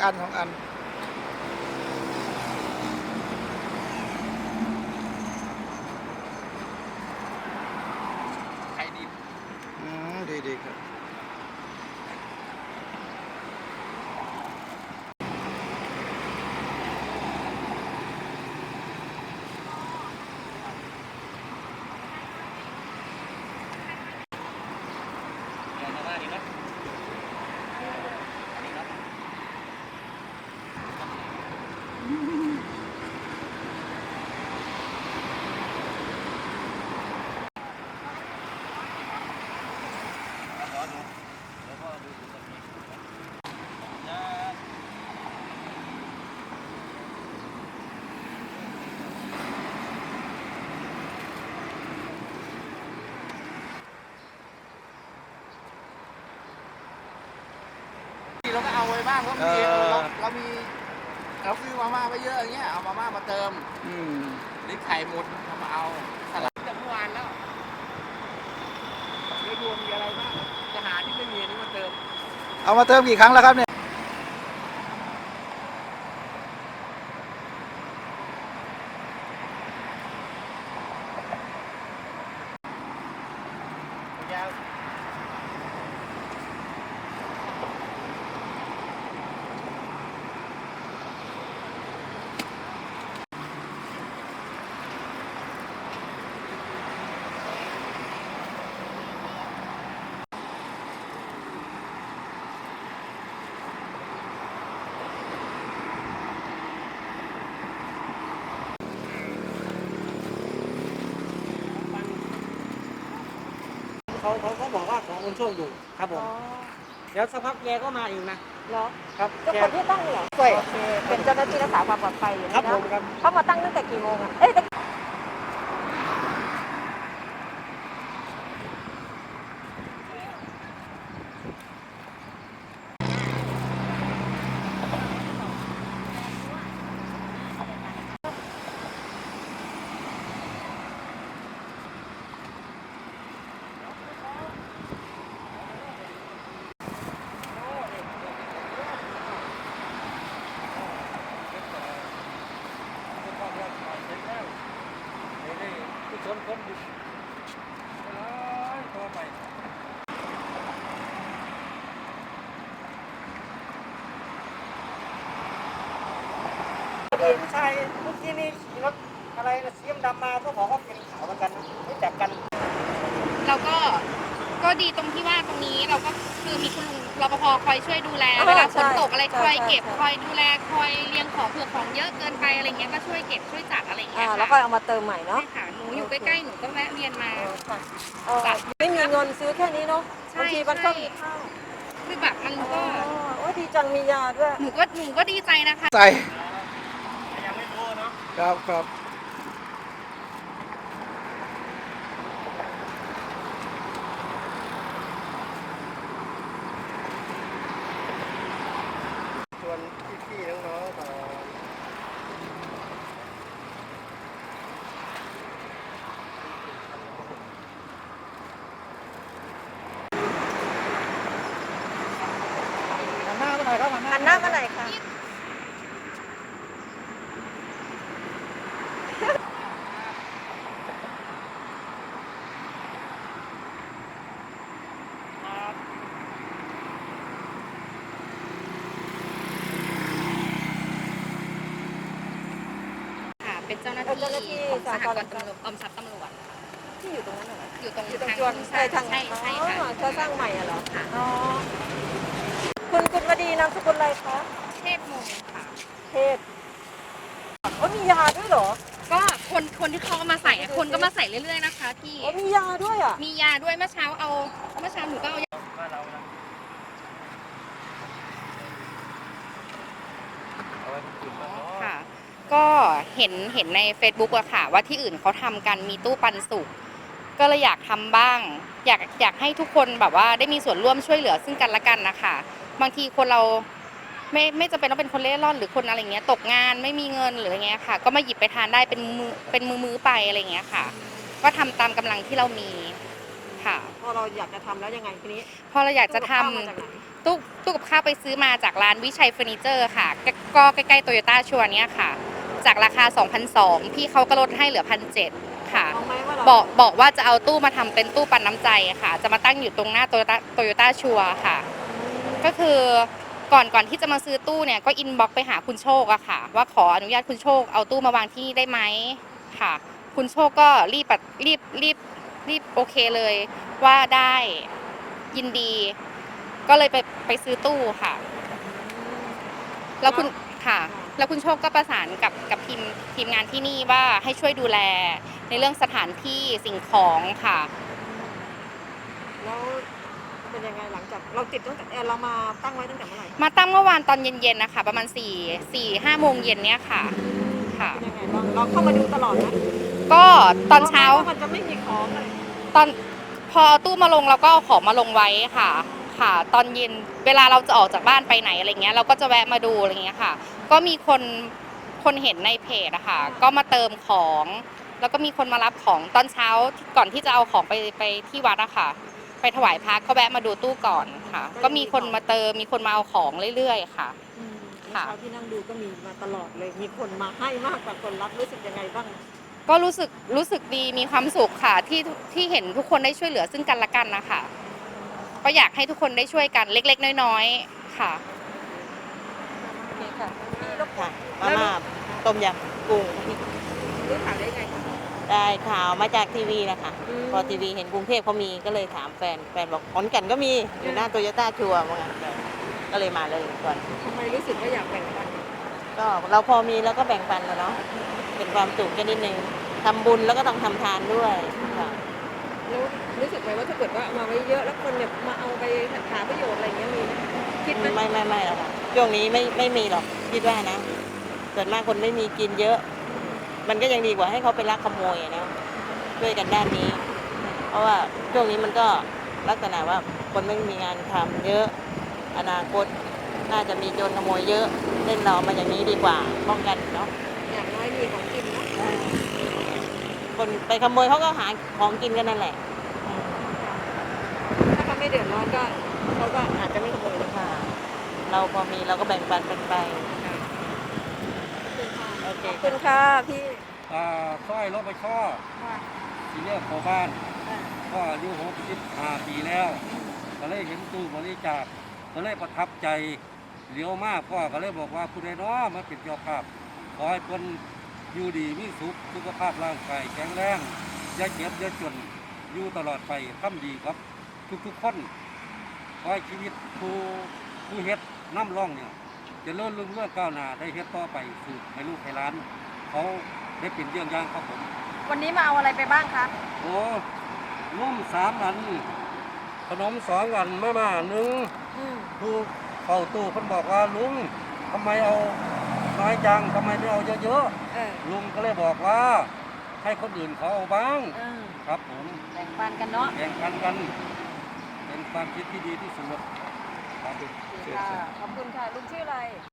อัน2 อันไข่ดิบดีครับเดี๋ยวมาดีนะอันนี้ครับขอดูแล้วก็ดูตรงนี้นะเราก็เอาไว้บ้างเพราะมี เรามีเราซื้อมาม่าไปเยอะอย่างเงี้ยเอามาม่ามาเติมหรือไข่หมดเอามาเอาสลัดจากเมื่อวานแล้วเดี๋ยวดูมีอะไรบ้างจะหาที่ไม่มีนี่มาเติมเอามาเติมกี่ครั้งแล้วครับเนี่ยยาวเขาบอกว่าของคุณโชคอยู่ครับผมเดี๋ยวสักพักแกก็มาอีกนะเหรอครับเจ้าคนที่ตั้งเหรอช่วยเป็นเจ้าหน้าที่รักษาความปลอดภัยอยู่ครันะบผมครับเขามาตั้งตั้งแต่กี่โมงอ่ะเอ้ยผู้ชายเมื่อกี้นี่รถอะไรนะสีดำมาก็บอกว่าเป็นขาวเหมือนกันนะรู้จักกันเราก็ดีตรงที่ว่าตรงนี้เราก็คือมีคุณลุงรปภคอยช่วยดูแลเวลาฝนตกอะไรคอยเก็บคอยดูแลคอยเรียงของเผื่อของเยอะเกินไปอะไรเงี้ยก็ช่วยเก็บช่วยจัดอะไรเงี้ยแล้วก็เอามาเติมใหม่เนาะใช่ค่ะหนูอยู่ใกล้ๆหนูก็แวะเวียนมาไม่มีเงินซื้อแค่นี้เนาะบางทีมันก็มีข้าวคือแบบมันก็โอ้ดีจังมียาด้วยหนูก็ดีใจนะคะใส่ยังไม่โตเนาะครับชวนพี่ๆน้องๆต่อหันหน้ามาหน่อยครับหันหน้ามาไหนอยค่ะค่ะเป็นเจ้าหน้าที่ของสหกรณ์ตำรวจกรมทรัพย์ตำรวจที่อยู่ตรงนั้นเหรออยู่ตรงอยู่ตรงทางจวนใช่ทางใช่ใช่ค่ะเขาสร้างใหม่อะเหรอค่ะอ๋อคุณวดีนามสกุลอะไรคะเทพมงค่ะเทพมียาด้วยเหรอก็คนที่เขาเอามาใส่อะคนก็มาใส่เรื่อยๆนะคะพี่มียาด้วยอ่ะมียาด้วยเมื่อเช้าหนูก็เอายาบ้านเรานะเอาไว้ที่อื่นบ้างเนาะค่ะ ก็เห็นใน Facebook อะค่ะ ว่าที่อื่นเขาทำกันมีตู้ปันสุกก็เลยอยากทำบ้าง อยากให้ทุกคนแบบว่าได้มีส่วนร่วมช่วยเหลือซึ่งกันและกันนะคะบางทีคนเราไม่จำเป็นต้องเป็นคนเล่ร่อนหรือคนอะไรเงี้ยตกงานไม่มีเงินหรืออะไรเงี้ยค่ะ ก็มาหยิบไปทานได้เป็นมือไปอะไรเงี้ยค่ะ ก็ทำตามกำลังที่เรามีค่ะพอเราอยากจะทำแล้วยังไงทีนี้พอเราอยากจะทำมาจากไหนตู้กับข้าวไปซื้อมาจากร้านวิชัยเฟอร์นิเจอร์ค่ะก็ใกล้ๆโตโยต้าชัวร์เนี้ยค่ะจากราคา 2,200 พี่เขาก็ลดให้เหลือ 1,700 ค่ะเอาไหมว่าเราบอกว่าจะเอาตู้มาทำเป็นตู้ปันน้ำใจค่ะ จะมาตั้งอยู่ตรงหน้าโตโยต้าชัวร์ค่ะ ก็คือก่อนที่จะมาซื้อตู้เนี่ยก็อินบ็อกซ์ไปหาคุณโชคอะค่ะ ว่าขออนุญาตคุณโชคเอาตู้มาวางที่นี่ได้ไหมค่ะ คุณโชคก็รีบโอเคเลยว่าได้ยินดี ก็เลยไปซื้อตู้ค่ะ แล้วคุณค่ะ แล้วคุณโชคก็ประสานกับทีมงานที่นี่ว่าให้ช่วยดูแลในเรื่องสถานที่สิ่งของค่ะแล้วเป็นยังไงหลังจากเราติดตั้งแต่เรามาตั้งไว้ตั้งแต่เมื่อไหร่มาตั้งเมื่อวานตอนเย็นๆนะคะประมาณ4-5 โมงเย็นเนี้ยค่ะค่ะเป็นยังไงบ้างเราเข้ามาดูตลอดนะก็ตอนเช้ามันจะไม่มีของเลยตอนพอเอาตู้มาลงเราก็เอาของมาลงไว้ค่ะค่ะ ตอนเย็นเวลาเราจะออกจากบ้านไปไหนอะไรเงี้ยเราก็จะแวะมาดูอะไรเงี้ยค่ะ ก็มีคนเห็นในเพจอะค่ะก็มาเติมของ แล้วก็มีคนมารับของตอนเช้าก่อนที่จะเอาของไปที่วัดอะค่ะ ไปถวายพระก็แวะมาดูตู้ก่อนค่ะ ก็มีคนมาเติมมีคนมาเอาของเรื่อยๆค่ะ ค่ะเช้าที่นั่งดูก็มีมาตลอดเลย มีคนมาให้มากกว่าคนรับรู้สึกยังไงบ้างก็รู้สึกดีมีความสุขค่ะที่เห็นทุกคนได้ช่วยเหลือซึ่งกันและกันนะคะก็อยากให้ทุกคนได้ช่วยกันเล็กๆน้อยๆค่ะโอเคค่ะพี่รบกวค่ะนมาม่าต้มยำกุ้งรู้ข่าวได้ไงคะได้ข่าวมาจากทีวีนะคะอืมพอทีวีเห็นกรุงเทพเขามีก็เลยถามแฟนบอกขอนแก่นก็มีอยู่หน้าโตโยต้าชัวร์ว่างั้นก็เลยมาเลยก่อนทำไมรู้สึกว่าอยากแบ่งปันก็เราพอมีแล้วก็แบ่งปันแล้วเนาะเป็นความสุขกันนิดนึงทำบุญแล้วก็ต้องทำทานด้วยค่ะแล้วรู้สึกไหมว่าถ้าเกิดว่าเอามาไว้เยอะแล้วคนเนี่ยมาเอาไปหาประโยชน์อะไรอย่างเงี้ยมีไหมคิดไหมไม่หรอกค่ะช่วงนี้ไม่มีหรอกคิดว่านะส่วนมากคนไม่มีกินเยอะ มันก็ยังดีกว่าให้เขาไปลักขโมยอะนะช่วยกันด้านนี้ เพราะว่าช่วงนี้มันก็ลักษณะว่าคนไม่มีงานทำเยอะอนาคตน่าจะมีโจรขโมยเยอะเล่นเรามาอย่างนี้ดีกว่าป้องกันเนาะอย่างน้อยมีของกินเนาะคนไปขโมยเขาก็หาของกินกันนั่นแหละถ้าเขาไม่เดือดร้อนก็เขาก็อาจจะไม่ขโมยเลยค่ะค่ะ เราพอมีเราก็แบ่งปันกันไปโอเคขอบคุณค่ะพี่สร้อยรถไปช่อทีเรียกโคบ้านก็อายุ65 ปีแล้ว ก็เลยเห็นตู้บริจาคก็เลยประทับใจเหลียวมากพ่อก็เลยบอกว่าผู้ใดน้อมาเป็นเจ้าภาพขอให้เพิ่นอยู่ดีมีสุขภาพร่างกายแข็งแรงอย่าเจ็บอย่าจนอยู่ตลอดไปทำดีครับทุกๆคนขอให้ชีวิตผู้เฮ็ดน้ำร่องเนี่ยเจะเลื่อนรุ่งเรื่องก้าวหน้าได้เฮ็ดต่อไปสืบให้ลูกให้หลานเขาได้เป็นเยี่ยงอย่างครับผมวันนี้มาเอาอะไรไปบ้างคะโอ้นุ่ม3 อันขนม2 อันมาม่า1ผู้เข้าตู้เพิ่นบอกว่าลุงทำไมเอาน้อยจังทำไมไม่เอาเยอะๆลุงก็เลยบอกว่าให้คนอื่นเขาเอาบ้างครับผมแบ่งปันกันเนาะแข่งกันกันเป็นความคิดที่ดีที่สุดครับขอบคุณค่ะลุงชื่ออะไร